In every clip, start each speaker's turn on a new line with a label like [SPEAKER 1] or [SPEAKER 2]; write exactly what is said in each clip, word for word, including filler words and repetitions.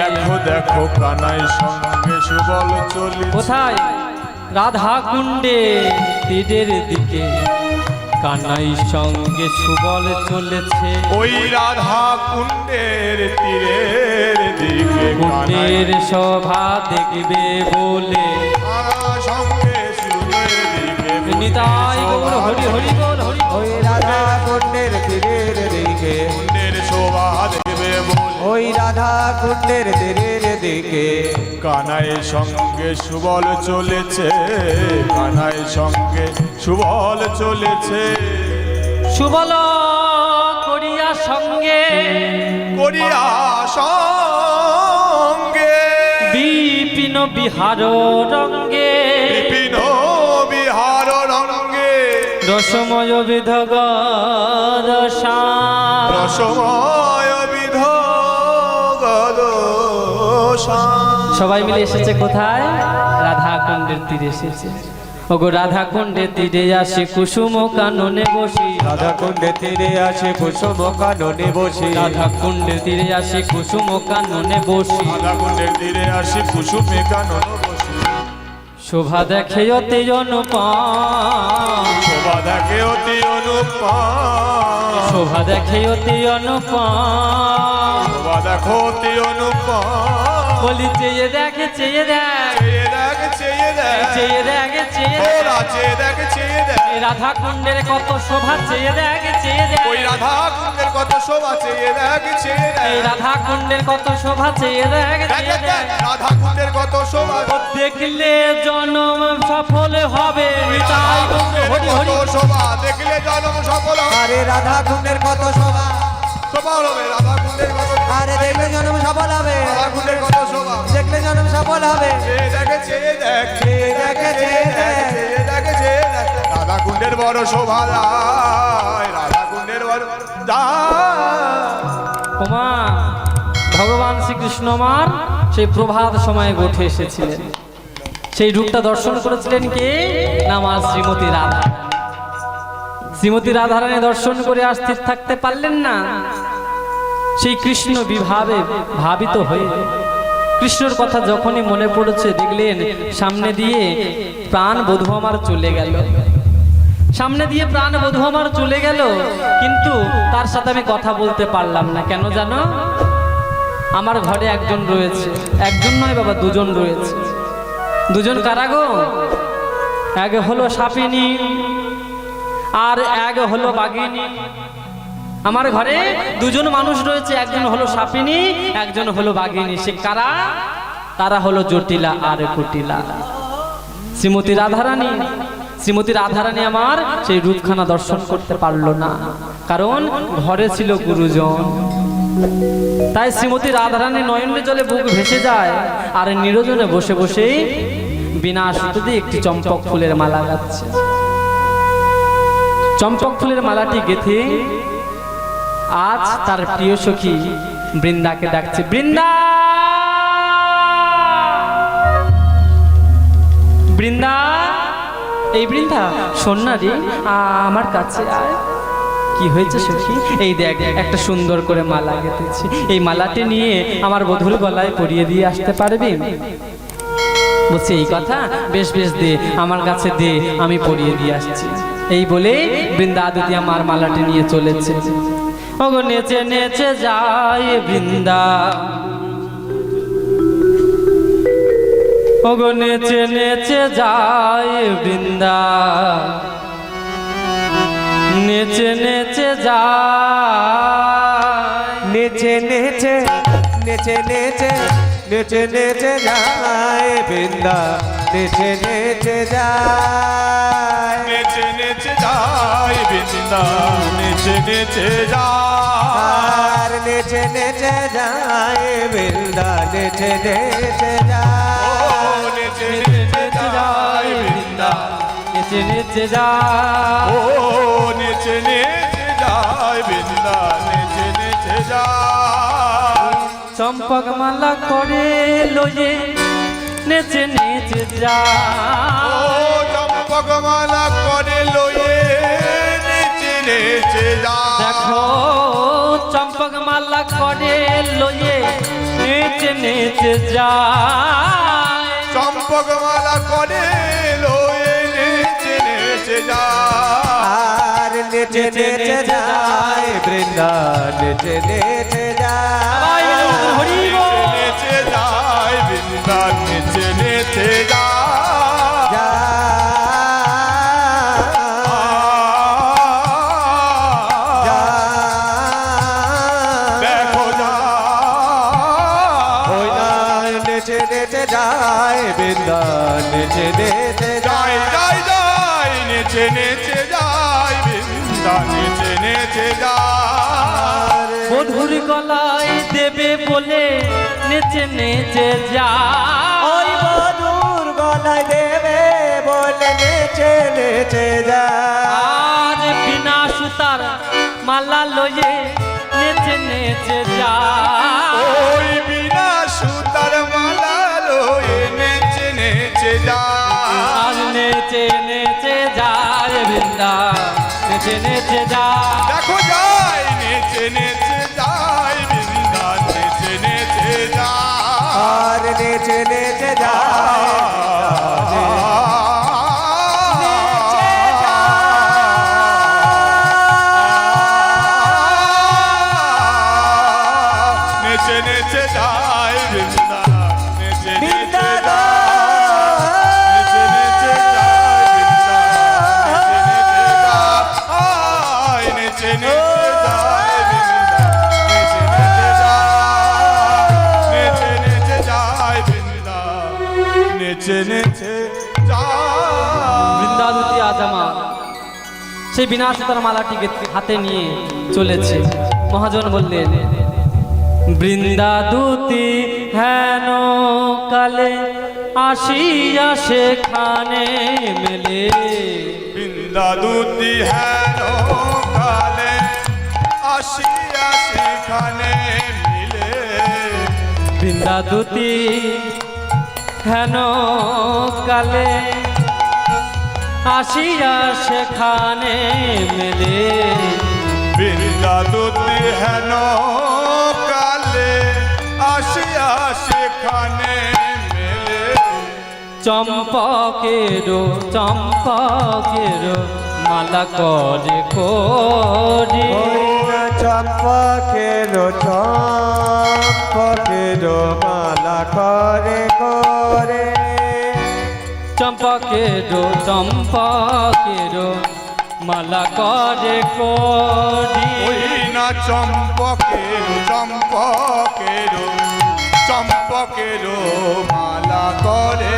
[SPEAKER 1] দেখো দেখো কানাই সঙ্গে সুবল চলি।
[SPEAKER 2] কোথায়? রাধা কুণ্ডে তীরের দিকে কানাই সঙ্গে সুবল চলেছে।
[SPEAKER 1] ওই রাধা কুণ্ডের তীরের দিকে
[SPEAKER 2] কুণ্ডের শোভা দেখবে বলে
[SPEAKER 1] সঙ্গে সুরের দিকে
[SPEAKER 2] নিতাই গৌর হরি হরি বল হরি।
[SPEAKER 3] ওই রাধা কুণ্ডের তীরের দিকে
[SPEAKER 1] কুণ্ডের শোভা দেখবে বলে
[SPEAKER 3] ওই রাধা কুণ্ডের তীরের দিকে
[SPEAKER 1] কানাই সঙ্গে সুবল চলেছে। কানাই সঙ্গে সুবল চলেছে।
[SPEAKER 2] সুবল করিয়া সঙ্গে
[SPEAKER 1] করিয়া সঙ্গে
[SPEAKER 2] বিপিন বিহার রঙ্গে
[SPEAKER 1] বিপিন বিহার রঙ্গে
[SPEAKER 2] রসময় বিধগ রসাম
[SPEAKER 1] রসময় বিধগ রসাম।
[SPEAKER 2] সবাই মিলে এসেছে কোথায়? রাধা কুণ্ডের তীরে এসেছে। ওগো রাধা কুণ্ডের তীরে আসে কুসুম কাননে বসি।
[SPEAKER 3] রাধা কুণ্ডের তীরে আসে কুসুম কাননে বসি।
[SPEAKER 2] রাধা কুণ্ডের তীরে আসে কুসুম কাননে বসি।
[SPEAKER 1] রাধা কুণ্ডের তীরে আসি কুসুমে কানন বসি।
[SPEAKER 2] শোভা দেখে অতি অনুপম
[SPEAKER 1] শোভা দেখে অতি অনুপম।
[SPEAKER 2] শোভা দেখে অতি অনুপম
[SPEAKER 1] শোভা দেখো অতি অনুপম।
[SPEAKER 2] বলি চেয়ে দেখে চেয়ে দেখ
[SPEAKER 1] চেয়ে দেখ চেয়ে দেখ
[SPEAKER 2] চেয়ে দেখে চেয়ে
[SPEAKER 1] ওরা চেয়ে দেখ চেয়ে দেখ
[SPEAKER 2] দেখ রাধা কুণ্ডের কত শোভা চেয়ে দেখ চেয়ে দেখ
[SPEAKER 1] ওই রাধা কুণ্ডের কত শোভা চেয়ে দেখ চেয়ে
[SPEAKER 2] এই
[SPEAKER 1] দেখ
[SPEAKER 2] রাধা কুণ্ডের কত শোভা চেয়ে দেখ
[SPEAKER 1] দেখ
[SPEAKER 2] চেয়ে
[SPEAKER 1] দেখ দেখ
[SPEAKER 2] দেখ
[SPEAKER 1] রাধা কুণ্ডের কত শোভা
[SPEAKER 2] দেখলে জনম সফল হবে নিতাই গৌর হরি
[SPEAKER 1] কত
[SPEAKER 2] হরি।
[SPEAKER 1] শোভা দেখলে জন্ম সফল হবে।
[SPEAKER 3] আরে রাধা কুণ্ডের কত শোভা
[SPEAKER 1] শোভা হবে রাধা কুণ্ডের কত
[SPEAKER 3] আরে দেখলে জন্ম সফল হবে।
[SPEAKER 1] রাধা কুণ্ডের কত শোভা
[SPEAKER 3] দেখলে জন্ম সফল হবে।
[SPEAKER 1] চেয়ে দেখে চেয়ে দেখ
[SPEAKER 3] চেয়ে দেখে চেয়ে দেখ
[SPEAKER 1] চেয়ে দেখে চেয়ে দেখ রাধা কুণ্ডের বড় শোভা যায়। রাধা কুণ্ডের বড় যায়।
[SPEAKER 2] ওমা ভগবান শ্রীকৃষ্ণ আমার সেই প্রভাত সময়ে উঠে এসেছিলেন। সেই রূপটা দর্শন করেছিলেন কে? না মা শ্রীমতী রাধা। শ্রীমতী রাধারানী দর্শন করে আর স্থির থাকতে পারলেন না। সেই কৃষ্ণ বিভাবে ভাবিত হয়ে কৃষ্ণর কথা যখনই মনে পড়েছে দেখলেন সামনে দিয়ে প্রাণ বধূ আমার চলে গেল। সামনে দিয়ে প্রাণ বধূ আমার চলে গেল, কিন্তু তার সাথে আমি কথা বলতে পারলাম না। কেন জানো? আমার ঘরে একজন রয়েছে, একজন নয় বাবা দুজন রয়েছে। দুজন কারা গো? এক হলো সাপিনী আর এক হলো বাঘিনী। আমার ঘরে দুজন মানুষ রয়েছে, একজন হলো সাপিনী একজন হলো বাঘিনী। সে কারা? তারা হলো জটিলা আর কুটিলা। শ্রীমতী রাধারানী শ্রীমতী রাধারানী আমার সেই রূপখানা দর্শন করতে পারলো না, কারণ ঘরে ছিল গুরুজন। তাই শ্রীমতী রাধারানী নয়নের জলে বুক ভেসে যায় আর নিরজনে বসে বসে বিনা সুতোতে একটি চম্পক ফুলের মালা গাচ্ছে। চম্পক ফুলের মালাটি গেথে আজ তার প্রিয় সখী বৃন্দাকে ডাকছে। বৃন্দা, বৃন্দা, এই বৃন্দা শোন না রে, আমার কাছে আয়। কি হয়েছে সখী? এই দেখ একটা সুন্দর করে মালা গেঁথেছি, এই মালাটি নিয়ে আমার বধূর গলায় পরিয়ে দিয়ে আসতে পারবি? বলছে এই কথা, বেশ বেশ দে, আমার কাছে দে, আমি পরিয়ে দিয়ে আসছি। এই বলে বৃন্দা আদিতি আমার মালাটি নিয়ে চলেছে। ওগো নেচে নেচে যায় বৃন্দা, ওগো নেচে নেচে যায় বৃন্দা, নেচে নেচে যায়,
[SPEAKER 3] নেচে নেচে নেচে নেচে নেচে নেচে যায় বৃন্দা, নেচে নেচে যায়,
[SPEAKER 1] নেচে নেচে যায় বৃন্দা, নেচে নেচে যায়,
[SPEAKER 3] আর নেচে নেচে যায় বৃন্দা, নেচে নেচে যায়,
[SPEAKER 1] ও নেচে নেচে যায় বৃন্দা,
[SPEAKER 2] নেচে নেচে যায়,
[SPEAKER 1] ও নেচে নেচে যায় বৃন্দা, নেচে নেচে যায়,
[SPEAKER 2] চম্পক মালা করে লয়ে নেচে নেচে যায়,
[SPEAKER 1] ও চম্পক মালা করে লয়ে নেচে নেচে যায়
[SPEAKER 2] দেখো চম্পক মালা করে লয়ে নেচে নেচে যায়
[SPEAKER 1] চম্পক মালা করে লয়ে নেচে নেচে যায়
[SPEAKER 3] আর নেচে নেচে যায় বৃন্দা নেচে নেচে
[SPEAKER 2] সবাই
[SPEAKER 3] যায়
[SPEAKER 2] মিলে বলুন, হরি বল।
[SPEAKER 1] নেচে যায় বৃন্দার নেচে নেচে যায় দেখো
[SPEAKER 3] ওই না নেচে নেচে যায় বৃন্দা নেচে নেচে
[SPEAKER 1] যায়
[SPEAKER 3] যায়
[SPEAKER 1] যায় যায় নেচে নেচে যায় বৃন্দা নেচে নেচে যায়
[SPEAKER 2] বধুর গলায় দেবে বলে নেচে নেচে যায়
[SPEAKER 3] ওই মধুর গলায় দেবে বলে নেচে নেচে যায়
[SPEAKER 2] আজ বিনা সুতার মালা লয়ে নেচে নেচে যায়
[SPEAKER 1] ওই বিনা সুতার মালা লয়ে নেচে নেচে যায়
[SPEAKER 2] আজ নেচে নেচে যায় বৃন্দা নেচে নেচে যায়
[SPEAKER 1] দেখো যায় নেচে নেচে যায় বৃন্দা নেচে নেচে যায়
[SPEAKER 3] আর নেচে নেচে যায়
[SPEAKER 1] নেচে নেচে যায় বৃন্দা নেচে নেচে
[SPEAKER 3] বৃন্দা
[SPEAKER 1] যায় নেচে নেচে যায় বৃন্দা নেচে নেচে যায় নেচে নেচে যায় বৃন্দা নেচে নেচে যায় নেচে নেচে যায় বৃন্দা নেচে নেচে যায়
[SPEAKER 2] বৃন্দাবতী আজ আমার সেই বিনা সুতার মালাটিকে হাতে নিয়ে চলেছে মহাজন বললেন বৃন্দাদূতি হেন কালে আসিয়া সেখানে মেলে
[SPEAKER 1] বৃন্দা দুটি হেন কালে আসিয়া সেখানে মিলে
[SPEAKER 2] বৃন্দাদূতি হেন কালে আসিয়া সেখানে মেলে
[SPEAKER 1] বৃন্দা দুটি হেন কালে আসিয়া সেখানে মেলে
[SPEAKER 2] চম্পকেরো চম্পকেরো মালা করে করি
[SPEAKER 3] ওই না চম্পকের চম্পকের মালা করে করে
[SPEAKER 2] চম্পকেরো চম্পকেরো মালা করে করি
[SPEAKER 1] ওই না চম্পকের চম্পকের চম্পকের মালা করে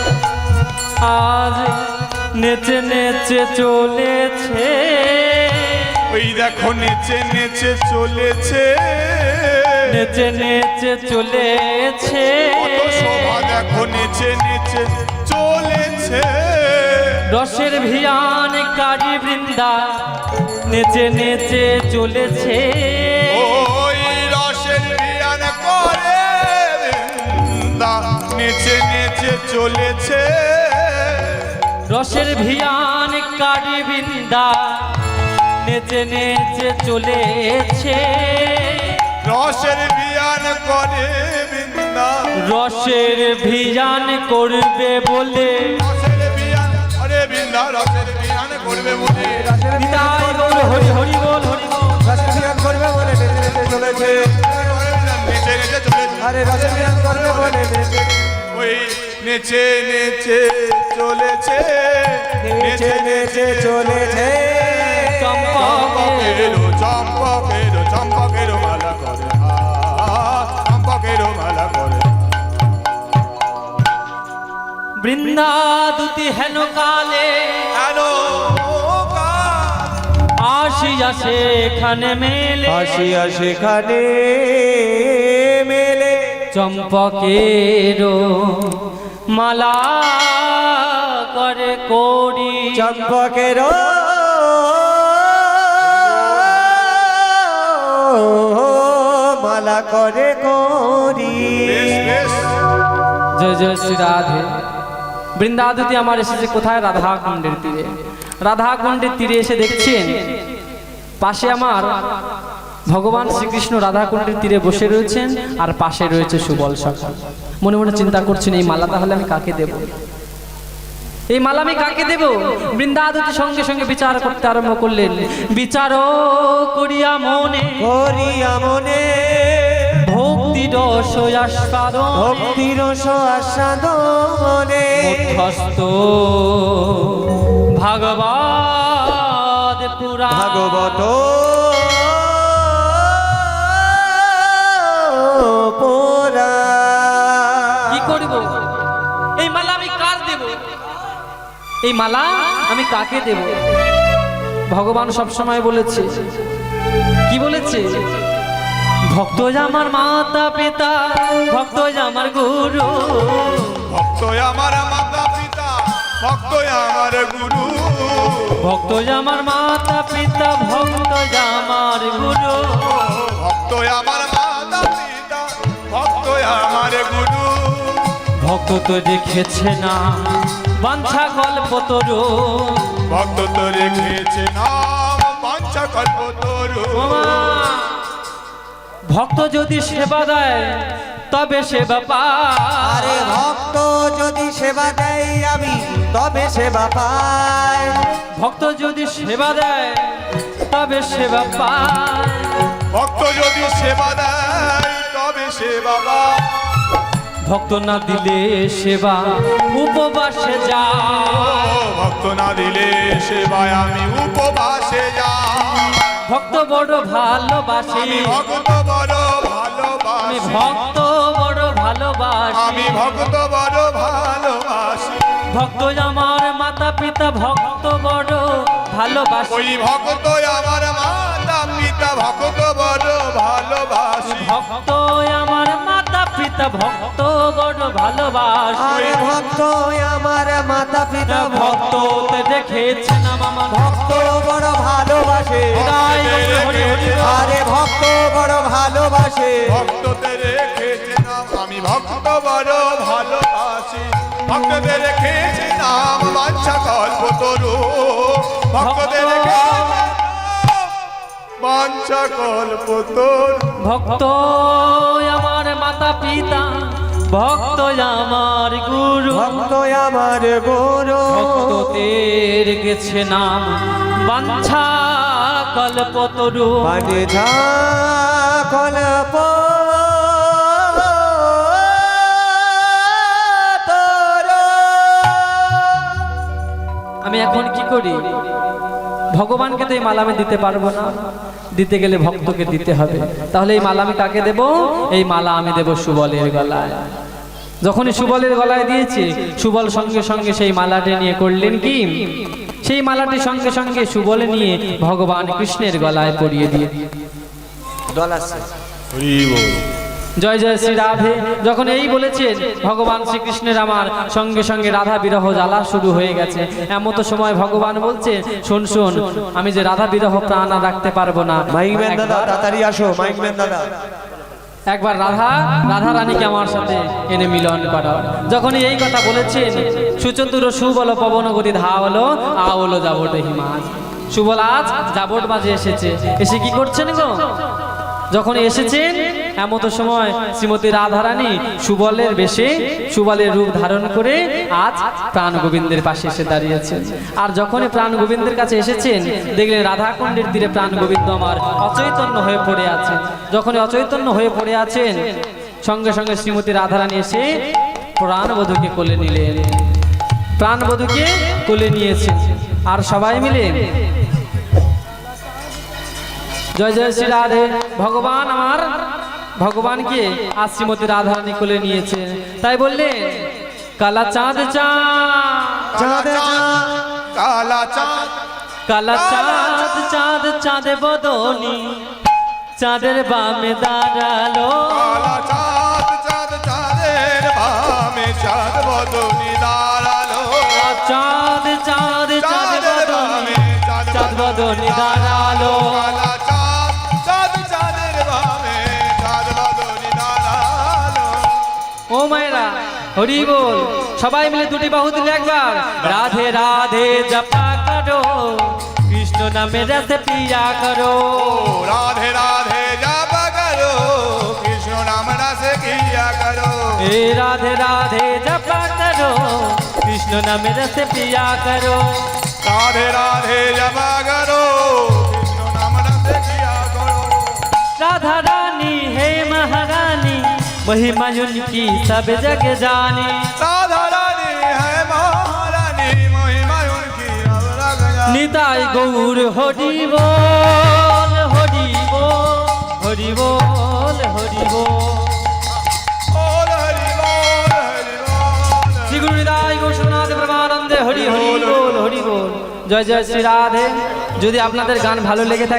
[SPEAKER 2] আজ নেচে নেচে চলেছে
[SPEAKER 1] ওই দেখো নেচে নেচে চলেছে
[SPEAKER 2] নেচে নেচে চলেছে
[SPEAKER 1] কত শোভা দেখো নেচে নেচে চলেছে
[SPEAKER 2] রসের ভিয়ান কারি বৃন্দা নেচে নেচে চলেছে
[SPEAKER 1] ওই রসের বিয়ান করে বৃন্দা নেচে নেচে চলেছে
[SPEAKER 2] রসের ভিয়ান কারি বৃন্দা নেচে নেচে চলেছে
[SPEAKER 1] রসের বিয়ান করে বৃন্দা
[SPEAKER 2] রসের ভিয়ান করবে বলে
[SPEAKER 1] রসের বিয়ান আরে বৃন্দা রসের বিয়ান করবে বলে
[SPEAKER 2] নিতাই গৌর হরি হরি বল হরি বল
[SPEAKER 3] রসবিহান করবে বলে নেচে নেচে চলেছে
[SPEAKER 1] নেচে নেচে চলেছে
[SPEAKER 3] আরে রসবিহান করবে বলে নেচে
[SPEAKER 1] ওই নেচে নেচে চলেছে
[SPEAKER 3] নেচে নেচে চলেছে
[SPEAKER 2] চম্পকের
[SPEAKER 1] চম্পকের চম্পকের চম্পকের মালা করে হা, চম্পকের মালা করে
[SPEAKER 2] বৃন্দাদুতি হেন কালে
[SPEAKER 1] হ্যালো
[SPEAKER 2] আসিয়া সেখানে মেলে
[SPEAKER 3] আসিয়া সেখানে মেলে
[SPEAKER 2] চম্পকের মালা করে করি
[SPEAKER 3] চম্পকের মালা করে করি
[SPEAKER 1] বেশ বেশ
[SPEAKER 2] জয় জয় শ্রী রাধে। বৃন্দাদুতি আমার এসেছে কোথায়? রাধা কুণ্ডের তীরে। রাধা কুণ্ডের তীরে এসে দেখছেন পাশে আমার ভগবান শ্রীকৃষ্ণ রাধাকুণ্ডের তীরে বসে রয়েছেন, আর পাশে রয়েছে সুবল সখা। মনে মনে চিন্তা করছেন, এই মালা তাহলে আমি কাকে দেব, এই মালা আমি কাকে দেব? বৃন্দাবতী সঙ্গে সঙ্গে বিচার করতে আরম্ভ করলেন। বিচার করিয়া মনে
[SPEAKER 3] করিয়া মনে
[SPEAKER 2] ভক্তি রস আস্বাদ,
[SPEAKER 3] ভক্তি রস আস্বাদ মনে
[SPEAKER 2] মধ্যস্থ ভাগবত পুরাণ
[SPEAKER 3] ভাগবত পুরাণ।
[SPEAKER 2] কি করব? এই মালা আমি কার দেব? এই মালা আমি কাকে দেব? ভগবান সব সময় বলেছে, কি বলেছে? ভক্ত আমার মাতা পিতা, ভক্ত আমার গুরু,
[SPEAKER 1] ভক্ত আমার মাতা পিতা, ভক্ত আমার গুরু,
[SPEAKER 2] ভক্ত আমার মাতা পিতা, ভক্ত আমার গুরু,
[SPEAKER 1] ভক্ত আমার মাতা পিতা, ভক্ত আমার গুরু,
[SPEAKER 2] ভক্ত তো দেখেছে না বাঞ্ছা কল্পতরু,
[SPEAKER 1] ভক্ত তো রেখেছে নাম বাঞ্ছা কল্পতরু।
[SPEAKER 2] ভক্ত যদি সেবা দেয় তবে সেবা পায়,
[SPEAKER 3] আরে ভক্ত যদি সেবা দেয় আমি তবে সেবা পাই,
[SPEAKER 2] ভক্ত যদি সেবা দেয় তবে সেবা পায়,
[SPEAKER 1] ভক্ত যদি সেবা দেয় তবে সেবা পায়,
[SPEAKER 2] ভক্ত না দিলে সেবা উপবাসে যা,
[SPEAKER 1] ভক্ত না দিলে সেবায় আমি উপবাসে যাই,
[SPEAKER 2] ভক্ত বড় ভালোবাসি,
[SPEAKER 1] আমি ভক্ত বড়
[SPEAKER 2] আমি
[SPEAKER 1] ভালোবাসি,
[SPEAKER 2] ভক্ত বড় ভালোবাসি,
[SPEAKER 1] আমি ভক্ত বড় ভালোবাসি,
[SPEAKER 2] ভক্ত আমার মাতা পিতা, ভক্ত বড় ভালোবাসি,
[SPEAKER 1] ওই ভক্ত আমার মাতা পিতা, ভক্ত বড় ভালোবাসি,
[SPEAKER 2] ভক্ত আমার মাতা পিতা, ভক্ত বড় ভালোবাসি,
[SPEAKER 3] আরে ভক্ত আমার মাতা পিতা,
[SPEAKER 2] ভক্ত দেখেছে না মামা,
[SPEAKER 3] ভক্ত বড় ভালোবাসে,
[SPEAKER 2] হৃদয় গৌর হরি হরি বল।
[SPEAKER 3] আরে ভক্ত বড় ভালোবাসে,
[SPEAKER 1] ভক্তদের রেখেছে নাম আমি ভক্ত বড় ভালোবাসি, ভক্তদের রেখেছে নাম বাঞ্ছা কল্পতরু, ভক্তদের রেখেছে নাম বাঞ্ছা কল্পতরু।
[SPEAKER 2] ভক্ত আমার মাতা পিতা, ভক্ত আমার গুরু,
[SPEAKER 3] ভক্ত আমার গুরু,
[SPEAKER 2] ভক্তদের গেছে নাম বাঞ্ছা কল্পতরু,
[SPEAKER 3] মানে যা কল্প
[SPEAKER 2] আমি এখন কি করি? ভগবানকে তো এই মালা আমি দিতে পারবো না, দিতে গেলে ভক্তকে দিতে হবে। তাহলে এই মালা আমি কাকে দেব? এই মালা আমি দেব সুবলের গলায়। যখনই সুবলের গলায় দিয়েছে, সুবল সঙ্গে সঙ্গে সেই মালাটি নিয়ে করলেন কি, সেই মালাটি সঙ্গে সঙ্গে সুবলে নিয়ে ভগবান কৃষ্ণের গলায় পরিয়ে দিয়ে
[SPEAKER 3] দলাছে।
[SPEAKER 1] হরি বল।
[SPEAKER 2] জয় জয় শ্রী রাধে যখন এই বলেছেন, ভগবান শ্রীকৃষ্ণের আমার সঙ্গে সঙ্গে রাধা বিরহ জ্বালা শুরু হয়ে গেছে। এমত সময় ভগবান বলছে, শোন শোন, আমি যে রাধা বিরহ প্রাণ আর রাখতে পারবো না,
[SPEAKER 3] মাইকম্যান দাদা তাড়াতাড়ি আসো, মাইকম্যান দাদা
[SPEAKER 2] একবার রাধা রাধা রানীকে আমার সাথে এনে মিলন করো। যখন এই কথা বলেছেন, সুচতুর সুবল পবন গতি ধা হলো আওলো যাবট হিমাজ। সুবল আজ যাবট মাঝে এসেছে, এসে কি করছেন গো? যখন এসেছেন এমত সময় শ্রীমতী রাধারানী সুবলের বেশে, সুবলের রূপ ধারণ করে আজ প্রাণ গোবিন্দের পাশে এসে দাঁড়িয়েছেন। আর যখনই প্রাণ গোবিন্দের কাছে এসেছেন, দেখলেন রাধাকুণ্ডের তীরে প্রাণ গোবিন্দ আমার অচৈতন্য হয়ে পড়ে আছেন। যখনই অচৈতন্য হয়ে পড়ে আছেন, সঙ্গে সঙ্গে শ্রীমতী রাধারানী এসে প্রাণবধূকে কোলে নিলেন, প্রাণবধূকে কোলে নিয়েছেন। আর সবাই মিলে জয় জয় শ্রী রাধে। ভগবান আমার ভগবানকে আজ শ্রীমতী রাধারানী কোলে নিয়েছে। তাই বললেন, কালা চাঁদ চাঁদ
[SPEAKER 3] চাঁদ
[SPEAKER 1] কালা চাঁদ
[SPEAKER 2] কালা চাঁদ চাঁদ চাঁদে বদনি, চাঁদের বামে দাঁড়ালো,
[SPEAKER 1] কালা চাঁদ চাঁদ চাঁদের বামে চাঁদ বদনি দাঁড়ালো,
[SPEAKER 2] চাঁদ চাঁদ চাঁদ
[SPEAKER 1] চাঁদের
[SPEAKER 2] বদনি,
[SPEAKER 1] বামে
[SPEAKER 2] চাঁদ বদনি দাঁড়ালো।
[SPEAKER 1] কালা চাঁদ চাঁদ চাঁদের বামে চাঁদ বদনি দাঁড়ালো।
[SPEAKER 2] ও মায়েরা হরি বল, সবাই মিলে দুটি বাহু দিলে একবার রাধে রাধে জপা করো, কৃষ্ণ कृष्ण नाम रस पिया करो
[SPEAKER 1] राधे राधे जप करो कृष्ण नाम रस किया करो
[SPEAKER 2] हे राधे राधे जप करो कृष्ण नाम रस पिया करो
[SPEAKER 1] राधे राधे जप करो कृष्ण नाम रस किया करो
[SPEAKER 2] राधा रानी है महारानी महिमा उनकी सब जग जानी
[SPEAKER 1] राधा रानी है महारानी महिमा उनकी अब लग जा
[SPEAKER 2] निताई गौर हरि बोल हरि बोल हरि बोल हरि बोल
[SPEAKER 1] बोल हरि बोल हरि बोल
[SPEAKER 2] श्री गुरु निताई गौरनाथ परमानंदे हरि हरि बोल हरि बोल जय जय श्री राधे। যদি আপনাদের গান ভালো লেগে থাকে